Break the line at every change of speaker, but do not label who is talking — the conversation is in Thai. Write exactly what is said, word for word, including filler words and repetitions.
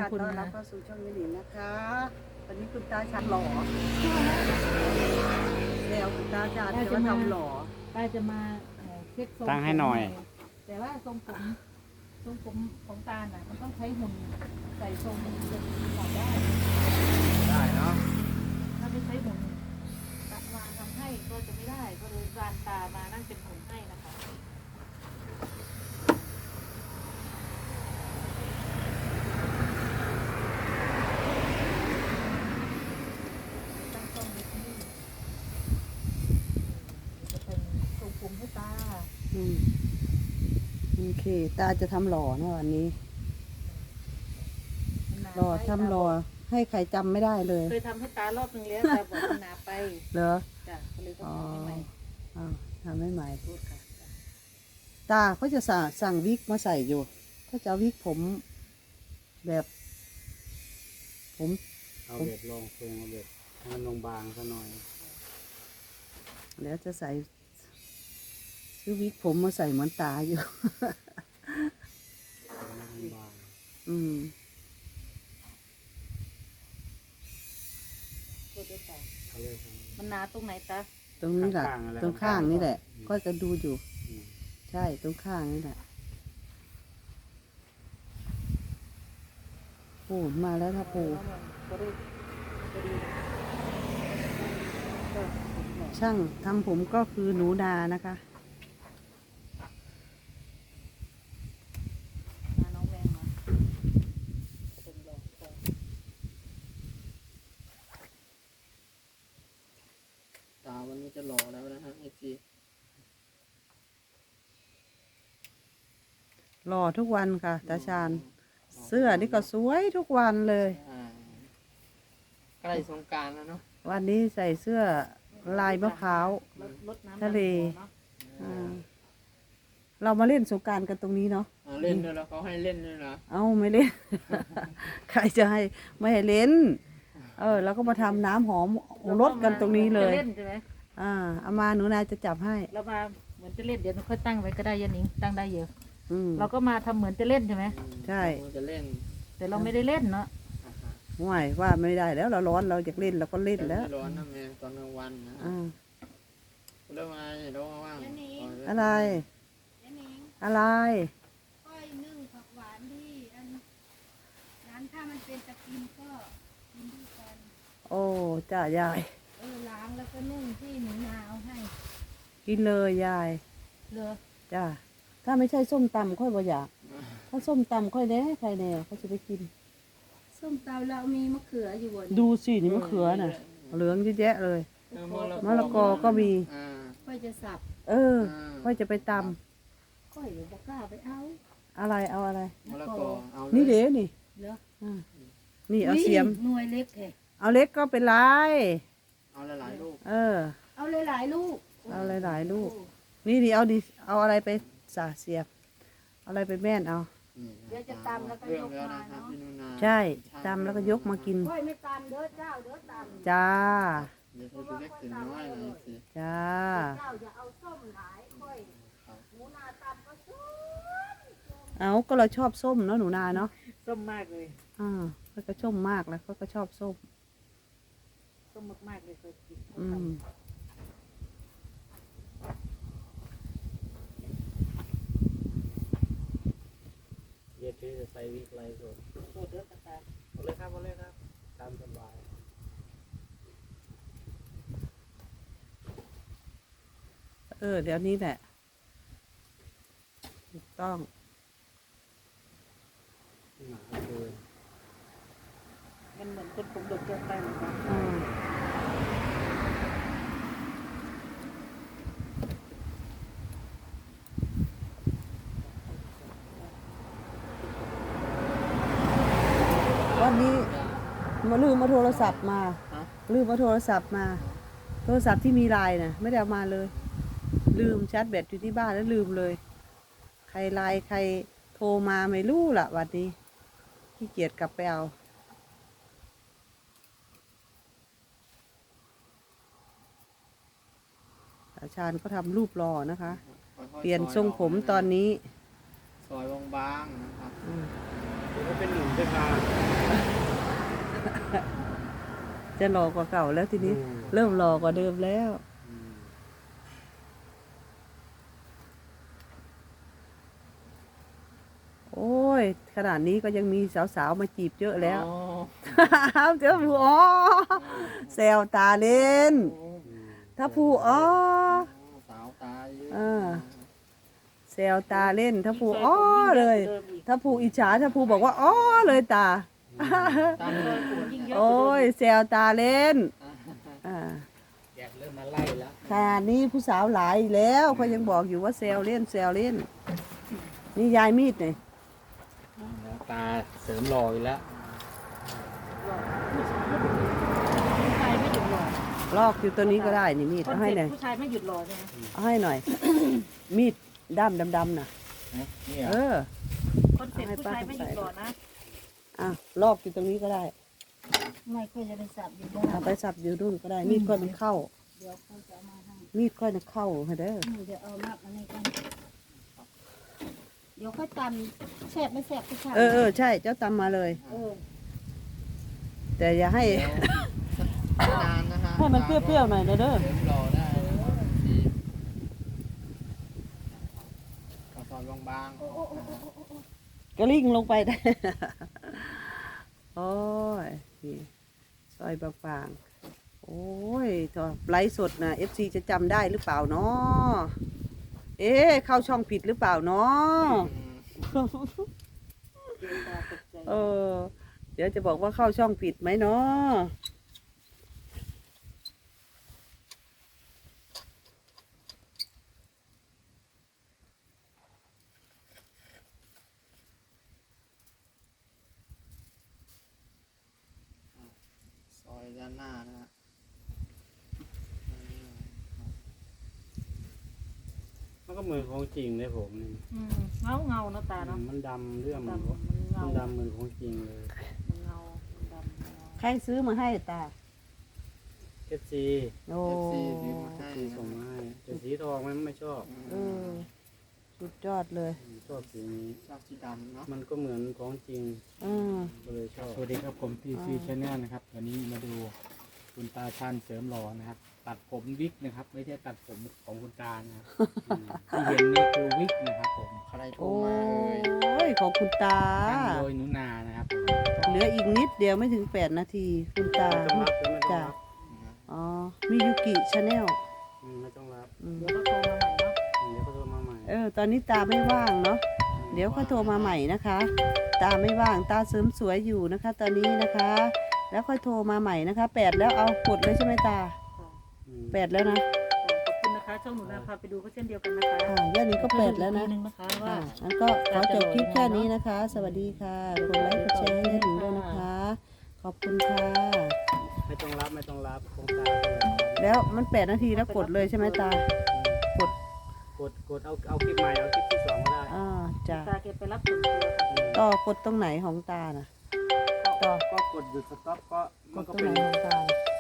คุณ
ต้อนรั
นะ
บเข้าสู่ช่องยินดีนะคะวันนี้คุณตาชาญหล่อแล้วคุณตาชาญจะมาทำหล่อ
ป้าจะมาเอ่อเช็คทรง
ตั้งให้หน่อย
แต่ว่าทรงผมทรงผมของตาน่ะมันต้องใช้หุ่นใส่ทรงมันจะหล่อได้
ได้เนาะ
ถ้าไม่ใช้หุ่นตาวางทำให้ก็จะไม่ได้ก็เลยการตามานั่งเป็นหุ่นให้นะคะตั้งกล้องไว้ที่นี่จะเป็นทรงผมให้ตา
อืมโอเคตาจะทำหล่อนะวันนี้หล่อทำหล่อให้ใครจำไม่ได้เลย
เคยทำให้ตารอบนึงแล้วแต่บอกมันหนาไป
เหรอ
จ้ะก็เลยต้อง
อ๋อ
ทำให้ใหม่
อ้าวทำให้ใหม่
พูดค่ะ
ตาเขาจะสั่งสั่งวิกมาใส่อยู่เขาจะเอาวิกผม แบบ ผม
เอาเบ็ดลงเฟืองเอาเบ็ดให้มันลงบางซะหน่อย
แล้วจะใส่ซื้อวิกผมมาใส่เหมือนตาอยู่
ให้มันบาง
อืม
พูดด้วยค่ะ
เขาเรียกว่า
มันหนาตรงไหนตา
ตรงนี้แหละ
ข้างๆอะไร
ตรงข้างนี่แหละ
อืม
ก็จะดูอยู่
อืม
ใช่ตรงข้างนี่แหละปูมาแล้วนะปู
ก็ได้ก็ดีก็
ช่างทำผมก็คือหนูนานะคะ
มาน้องแวงมาเป็นหลอกคอ
ตาวันนี้จะหล่อแล้วนะฮะไอซี
หล่อทุกวันค่ะตาชาญเสื้อนี่ก็สวยทุกวันเลย
ใกล้สงกรานต์แล้วเนาะ
วันนี้ใส่เสื้อลายมะพร้าว
รถรถน้ำ
ทะเล
ดำหัวเนอะ
อ่าเรามาเล่นสงกรานต์กันตรงนี้เนาะ
อ่าเล่นด้วยแล้วเขาให้เล่นด้วยนะ
เอ้าไม่เล่น ใครจะให้ไม่ให้เล่น เออแล้วก็มาทำน้ำหอมรสกันตรงนี้เลย
จะเล่นใช่ไหม
อ่าเอามาหนูนาจะจับให้
เรามาเหมือนจะเล่นเดี๋ยวเราค่อยตั้งไว้ก็ได้ยันนิงตั้งได้เยอะ
อืม
เราก็มาทำเหมือนจะเล่นใช่ไหม
ใช่
เราจะเล่น
แต่เราไม่ได้เล่นเนาะ
อ่าฮะ
ห่วยว่าไม่ได้แล้วเราร้อนเราอยากเล่นเราก็เล่น
แต่
แล้ว
ไม่ร้อนนะแม่ตอนกลางวันนะ
อ่า
เรื่องอะไรเรื่องว่างๆ
อะไร อะไร
ก้อยนึ่งผักหวานที่อันนั้นถ้ามันเป็นตะกินก็กินด้วยกัน
โอ้จ้ายาย
เออล้างแล้วก็นึ่งที่หนูนาเอาให้
กินเลยยาย
เหรอ
จ้าถ้าไม่ใช่ส้มตำค่อยบ่อยากถ้าส้มตำค่อยแน่ใครแน่เขาจะไปกิน
ส้มตำเรามีมะเขืออยู่บน
ดูสินี่มะเขือน่ะ เหลืองเยอะแยะเลย
เออ
มะละกอก็มี
อ่า
ค่อยจะสับ
เออค่อยจะไปต
ก้อยหรือบอกกล้าไปเอา
ำอะไรเอาอะไร
มะละกอเอาเลย
นี่เด้นี่
เหรอ
อ่านี่เอาเสียม
หน่วยเล็กแท้
เอาเล็กก็เป็นไร
เอาหลายๆลูก
เออ
เอาหลายๆลูก
เอาหลายๆลูก นี่ดิเอาดิเอาอะไรไปสาเสียบเอาอะไรไปแม่นเอา
นี่
เดี๋ยวจะตำแล้วก็
เรื่อย ง
ก
แล้ว
มา
นะครับ
เนาะ
พี่นุนา
ใช่ตำแล้วก็ยกมากิน
ก้อยไม่ตำเด้อเจ้าเด้อตำ
จ้า
เดี๋ยวจะเล็กถึงน้อยเลยสิ
จ้า
เจ้าอย่าเอาส้มหลายก้อยหนูนาตำก็ส้ม
เอาก็เราชอบส้มเนาะหนูนาเนาะ
ส้มมากเลย
อ่าเขาก็ชอบมากแล้วเขาก็ชอบส้ม
ส้มมากๆเลยเคยกิน
อืม
เย็ดที่จะใส่วิกไรสด
โดดเด้อกระตา
เอาเลยครับเอาเลยครับตามสบาย
เออเดี๋ยวนี้แหละถูกต้อง
หนาเกิน
มันเหมือนคนผมดกเกินไปเหมือนกัน
อืมวันนี้มาลืมมาโทรศัพท์มา
ฮะ
ลืมมาโทรศัพท์มา โทรศัพท์ที่มีไลน์น่ะ ไม่ได้เอามาเลย ลืมชาร์จแบตอยู่ที่บ้านแล้วลืมเลย ใครไลน์ใครโทรมาไม่รู้ล่ะวันนี้ขี้เกียจกลับไปเอาตาชาญก็ทำรูปรอนะคะ
ค่อๆ
เปลี่ยนทรงผม
ซยก
ตอนนี้
ซอยบางๆนะครับ
อืม
เดี๋ยวก็เป็นหนุ่มจะพา
จะหล่อกว่าเก่าแล้วทีนี้
อืม
เริ่มหล่อกว่าเดิมแล้ว
อืม
โอ้ยขนาดนี้ก็ยังมีสาวๆมาจีบเยอะแล้ว
อ๋อ
เจ้าผู้อ๋อแซวตาเล่น
อืม
ถ้าผู้อ๋อ
สาวตาเยอะ
เออ แซวตาเล่น ถ้าผู้อ๋อเลย ถ้าผู้อิจฉาถ้าผู้บอกว่าอ๋อเลยตา
ตามเลย
ยิ่งเยอะ
โอ้ยแซวตาเล่น
อ่า
อ่า
แกเริ่มมาไล่แล้ว
ขนาดนี้ผู้สาวหลายแล้วเขายังบอกอยู่ว่าแซวเล่นแซวเล่น นี่ยายมีดเนี่ย
ตาเสริมรออยู่แล้ว
ผู้ชายไม่หยุดหล่อ
ลอกอยู่ตัวนี้ก็ได้นี่มีด
คอน
เอาให้
เซ็ป
หน่อย
ต์ผู้ชายไม่หยุดหล่อใช่ไหม
เอาให้หน่อย มีดด้ามดำๆน่ะ
นี่เหร
เอ
อ
อ
คอนเซ็ปต์ผู้ชายไม่หยุดหล่อนะ
อ่ะลอกอยู่ตรงนี้ก็ได้
ไม่ค่อยจะเป็นสับอยู่บ้า
เอาไปสับอยู่นู่นก็ได้ มีดค่อยมันเข้า
เดี๋ยวเขาจะเอามาให้
มีดค่อยมันเข้าให้เด้อ
หนูจะเอามากอันนี้กันเดี๋ยวค่อยตำแสบไม่แสบผู้ชาย
เออเออใช่เจ้าตำมาเลย
เออ
แต่อย่าให้
เดี๋ยวไม่นานนะฮะ
ให้มันเปรี้ยวๆหน่อยนะเด้อ
เสริมรอได้ทีกระสอบบางๆ
กระลิ่งลงไปได้ โอ้ยนี่ซอยบางๆโอ้ยถ้าไลฟ์สดนะเอฟซีจะจำได้หรือเปล่าเนาะเอ๊ะเข้าช่องผิดหรือเปล่าเนาะ เออ เดี๋ยวจะบอกว่าเข้าช่องผิดไหมเนาะ
ซอยด้านหน้านะฮะ
มันก็เหมือนของจริงเลยผมนี่
อืมเงาเงาเนาะตาเนาะ
มันดำเรื่องมัน
ดำมันเงา
มันดำเหมือนของจริงเลย
มันเงามันดำเงา
ใครซื้อมาให้ตา
เอฟซี
โอ้
เอฟซีซื้อมาให้
ซีส่งมาให้แต่สีทองมันไม่ชอบ
เออสุดยอดเลย
ชอบสีนี้
ชอบสีดำเนาะ
มันก็เหมือนของจริง
อืม
ก็เลยชอบ
สวัสดีครับผมพีซีชาแนลนะครับวันนี้มาดูคุณตาชันเสริมหล่อนะครับ ตัดผมวิกนะครับ ไม่ใช่ตัดผมของคุณตานะครับอืมที่เห็นนี่คือวิกนะครับผม
ใครโทร
โอ้
มาเอ่ย
ยของคุณตา
ทำโดยหนุนานะครับผม
เหลืออีกนิดเดียวไม่ถึงแปดนาที คุณตา
ไม่ต้องรับไม่ต้อง
จ้ะ
รับ
อ๋อมิยุกิชาแนล
อืมไม่ต้องรับ
เดี๋ยวก็โทรมาใหม่เนาะ
อืมเดี๋ยวก็โทรมาใหม่
เออ ตอนนี้ตาไม่ว่างเนาะ เดี๋ยวค่อยโทรมาใหม่นะคะ ตาไม่ว่าง ตาเสริมสวยอยู่นะคะ ตอนนี้นะคะ แล้วค่อยโทรมาใหม่นะคะแปดแล้วเอากดเลยใช่ไหมตา
อืม
แปดแล้วนะ
ขอบคุณนะคะ ช่องหนูนาพาไปดูก็เช่นเดียวกันนะคะ
อ่าย่านนี้ก็แปดแล้วนะ
อีกทีนึงนะคะว่า
อ่างั้นก็ขอจบคลิปแค่นี้นะคะ สวัสดีค่ะ กดไลค์กดแชร์ให้หนูด้วยนะคะ ขอบคุณค่ะ
ไม่ต้องรับไม่ต้องรับของตาเท่าไหร่
แล้วมันแปดนาทีแล้วกดเลยใช่ไหมตา กด
กดกดเอาเอาคลิปใหม่เอาคลิปที่สองก็ได้
อ่าจ้ะ
ตาเก็บไปรับส่วนตัวค่ะ
อืม
ต่อกดตรงไหนของตาน่ะ ต่อ
ก็กดหยุดสต็อปก็
ก
มัน
ด
ก็
ตรง
เป็
ไหน
น
ของตาน่ะ